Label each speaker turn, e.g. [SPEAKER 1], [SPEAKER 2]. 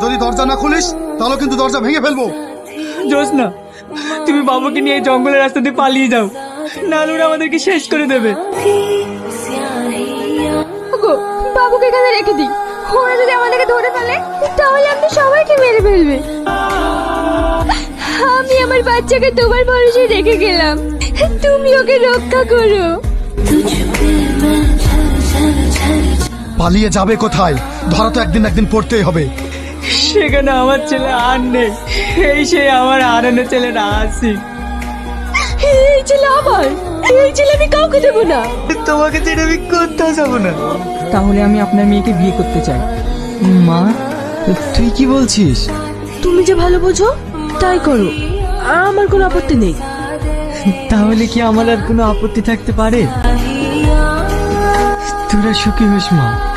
[SPEAKER 1] যদি দরজা না খুলিস তাহলে কিন্তু দরজা ভেঙে ফেলবো।
[SPEAKER 2] জোসনা, তুমি বাবুকে নিয়ে এই জঙ্গলের রাস্তা দিয়ে পালিয়ে যাও, নাহলে ওরা আমাদেরকে শেষ করে দেবে।
[SPEAKER 3] ওগো, বাবুকে এখানে রেখে দিই। ওরা যদি আমাদেরকে ধরে ফেলে তাহলে আমাদের সবাইকে মেরে ফেলবে। আমি আমার বাচ্চাকে তোমার ভরসায় রেখে গেলাম, তুমি ওকে রক্ষা করো।
[SPEAKER 1] পালিয়ে যাবে কোথায়? ধরা তো একদিন একদিন পড়তেই হবে।
[SPEAKER 2] সেখানে আমার ছেলে আর নেই, এই সেই আমার হারানো ছেলেটা আসি।
[SPEAKER 3] এই ছেলে আমার, এই ছেলে আমি কাউকে দেবো না।
[SPEAKER 2] তোমাকে ছেড়ে আমি কোথাও যাবো না। তাহলে আমি আপনার মেয়েকে বিয়ে করতে চাই। মা, তুই কি বলছিস?
[SPEAKER 3] তুমি যে ভালো বোঝো তাই করো, আমার কোনো আপত্তি নেই।
[SPEAKER 2] তাহলে কি আমার আর কোনো আপত্তি থাকতে পারে? তোরা সুখী হোস মা।